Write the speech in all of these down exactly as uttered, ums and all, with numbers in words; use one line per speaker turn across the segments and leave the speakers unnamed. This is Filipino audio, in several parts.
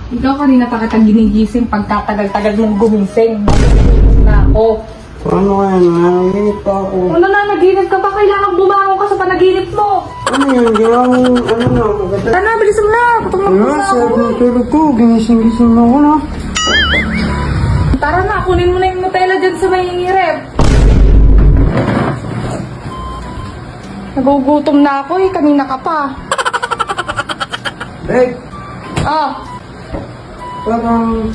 Ikaw kanina pa kita ginigising pagkatagal-tagal mong gumising. Natutulog na ako.
Ano kaya? Nanaginip pa ako.
Ano na, naginip ka pa? Kailangan bumangon ka sa panaginip mo.
Ano yun? Ginawa mo, ano na, maganda.
Tara na, bilisan mo na. Tutulog
Ano,
na ako.
sarap ng tulog ko. Ginising-gising na ako na.
Tara na, kunin mo na yung Nutella dyan sa may ref. Nagugutom na ako eh, kanina ka pa.
Eh,
Ah,
parang...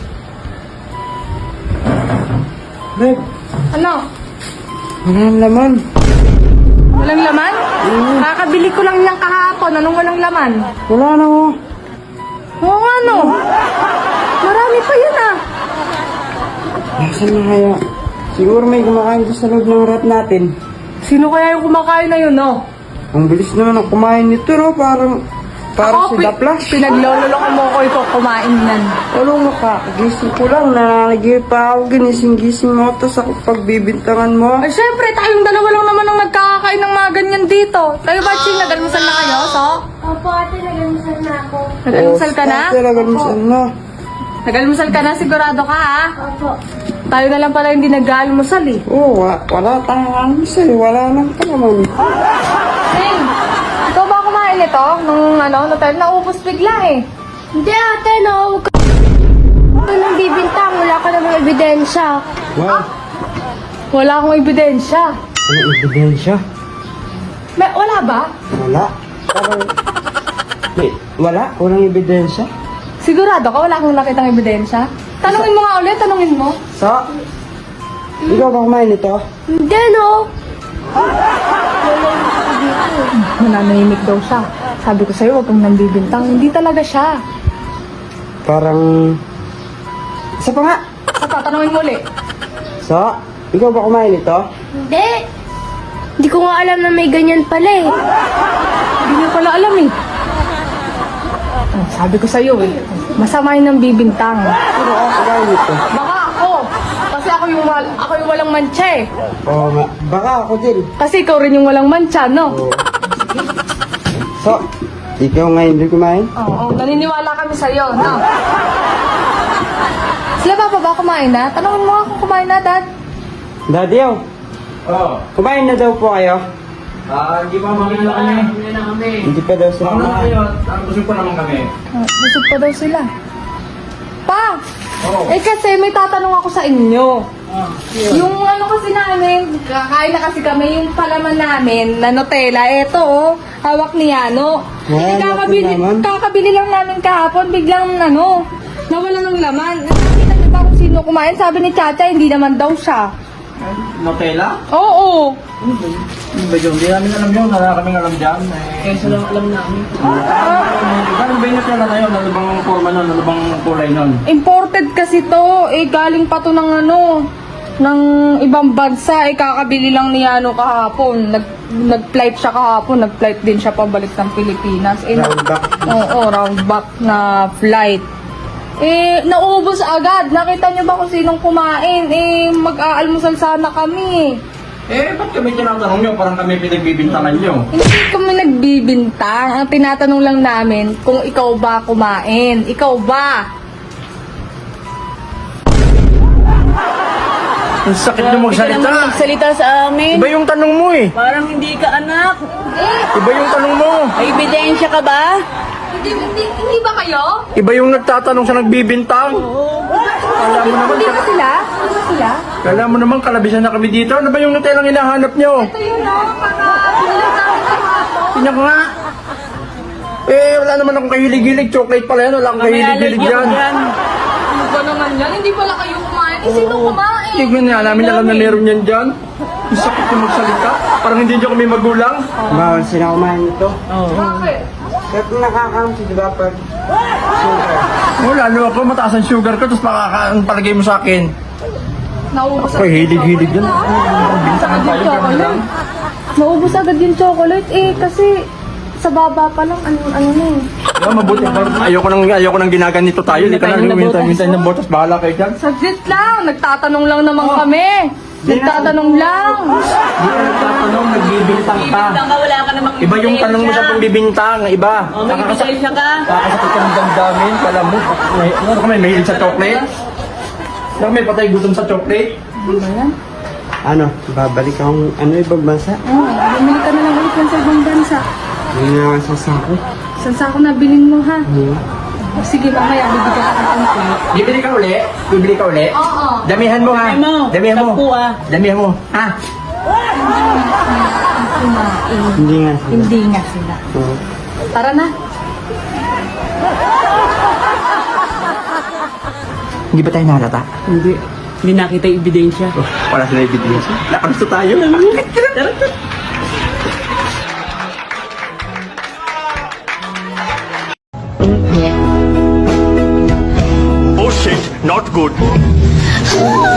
Babe,
ano?
walang laman.
Walang laman? Kakabili ko lang niyang kahapon. Anong walang laman?
Wala na ako.
Oo nga no. Marami pa yun ah.
Nasaan na kaya? Siguro may kumakain doon sa loob ng rat natin.
Sino kaya yung kumakain na yun no?
Ang bilis naman ang kumain nito, no? Parang... Parang si
pi-
Daplas.
Pinaglololoko mo ko ito kumain yan.
Ano mo ka? Gising ko lang. Nananagay pa ako. Ginising-gising mo. Tapos ako pagbibintangan mo.
Ay syempre, tayong dalawa lang naman ang nagkakakain ng mga ganyan dito. Kayo ba, Ching? Nagalmusal na kayo, so?
Opo, ate, nag-almusal na ako.
Nagalmusal ka na?
Oh, talaga naman na.
Nagalmusal ka na? Sigurado ka, ha?
Opo.
Tayo na lang pala hindi nag-almusal, eh.
Oo, wa- wala tayong almus eh. Wala nang ka naman.
Ching, ikaw ba kumain nito? Nung ano, Nutella, naubos bigla, eh.
Hindi, ate, no. Huwag ka Huwag ka nang bibintang. Wala ka namang ebidensya.
Wow.
Wala akong ebidensya.
Ano ebidensya?
May, wala ba?
Wala. Parang... Wait, wala? Walang ebidensya?
Sigurado ka? Wala akong nakitang ebidensya? Tanungin mo nga ulit, tanungin mo.
Sa? Ikaw ba kumain nito?
Hindi, no.
Nananahimik daw siya. Sabi ko sa'yo, huwag kang nambibintang. Hindi talaga siya.
Parang... Isa pa nga.
Sa tatanungin mo ulit.
Sa? Ikaw ba kumain nito?
Hindi. Hindi ko nga alam na may ganyan pala eh.
Hindi niya pala alam eh. Ah, sabi ko sa'yo eh, masama yun ng bibintang.
Sino ako kumain nito?
Baka ako. Kasi ako yung, wal- ako yung walang mantsa eh.
Oo nga. Baka ako din.
Kasi ikaw rin yung walang mantsa, no?
Oo. So, ikaw ngayon din kumain?
Oo, naniniwala kami sa'yo, no? Sila pa ba kumain na? Tanungin mo nga kung kumain na, Dad.
Daddy, oh.
Oo.
Kumain na daw po kayo?
Ah, hindi pa mamaya na kami.
Hindi pa daw sila
Ano
kumain.
kayo? Ang busog pa naman kami.
Ah, busog pa daw sila. Pa!
Oo.
Eh kasi may tatanong ako sa inyo.
Ah,
Yung ano kasi namin, kakain na kasi kami, yung palaman namin na Nutella, eto oh, hawak ni Yano.
Wala
Eh,
na
kakabili,
akong laman.
kakabili lang namin kahapon, biglang ano, nawala ng laman. Nakita niyo ba kung sino kumain? Sabi ni Chacha, hindi naman daw siya.
Nutella?
Oo.
Ano ba yun? Ano ba yun? Hindi namin alam yun. Wala kaming alam dyan. Eh, so lang alam namin.
Ah,
Ano ba yung Nutella na yun? Ano bang forma nun? Ano bang kulay nun?
imported kasi to, eh galing pa to ng ano, ng ibang bansa, eh kakabili lang ni Yano kahapon. Nag, nag-flight siya kahapon, nag-flight din siya pabalik ng Pilipinas. Eh,
Round back.
Oo, round back na flight. Eh, naubos agad. Nakita niyo ba kung sinong kumain? Eh, mag-aalmusal sana kami.
Eh, ba't kami tinatanong nyo? Parang kami pinagbibintangan nyo.
Hindi kami nagbibintang. Ang tinatanong lang namin kung ikaw ba kumain. Ikaw ba?
Ang sakit nyo magsalita.
Magsalita sa amin.
Iba yung tanong mo eh.
Parang hindi ka anak.
Iba yung tanong mo.
May ebidensya ka ba?
Hindi, hindi, hindi ba kayo?
Iba yung nagtatanong sa nagbibintang. Kala mo naman,
Hindi ba sila? Hindi ba sila?
kala mo naman kalabisan na kami dito. Ano ba yung Nutella ang hinahanap nyo?
Ito yun, no? Pagka-ulit namin kahapon.
Tingnan ko nga. Eh, wala naman akong kahilig-hilig. Chocolate pala yan. Wala akong kahilig-hilig yan.
Ano ba naman yan? Hindi pala kayo kumain. Eh, sino kumain?
Tignan nga namin alam na meron yan dyan. Ang sakit yung magsalita. Parang hindi nyo kami magulang.
Bawal sila kumain nito.
Bakit?
Kaya kung nakakam si diba pag... Sugar.
Oh, lalo ako, mataas ang sugar ko, tapos makaka ang palagay mo sa akin.
Naubos
Ako, hilig-hilig yan.
Naubos agad yung chocolate. Naubos agad yung chocolate eh kasi sa baba pa lang ano ano na eh.
Yeah, mabuti. Ayoko nang, ayoko nang ginaganito tayo. Hindi ka na lumintay-mintay ng botas. Bahala kayo dyan.
Saglit lang, nagtatanong lang naman kami. Nagtatanong lang.
Hindi ka nagtatanong, nagbibintang ka.
Bibintang ka, wala ka namang
Iba yung tanong mo sa pagbibintang, iba.
Oh, may
Nakakasak-
ebidensya ka.
Kakasakit ka ng damdamin, kala mo. May, ano ka may mahilig sa chocolate? Ano ka may patay gutom sa chocolate?
Ano, babalik akong ano ibang bansa?
Oh, bumili ka na lang ulit yan sa ibang bansa.
Hindi na ako sasako.
Saan sa ako nabilin mo ha?
Hmm.
O, sige, mamaya bibigyan ka ng template.
Bibili ka uli? Bibili ka uli?
Oo.
Damihan mo ha.
Damihan mo.
Damihan mo.
Sampu, ah.
Damihan mo. Ha?
Hindi nga sila.
Hindi nga sila.
Oo.
Tara na.
Hindi ba tayo nahalata?
Hindi. Hindi nakita yung ebidensya.
Oh, wala sila ebidensya. Nakamusta tayo?
Oh shit, not good.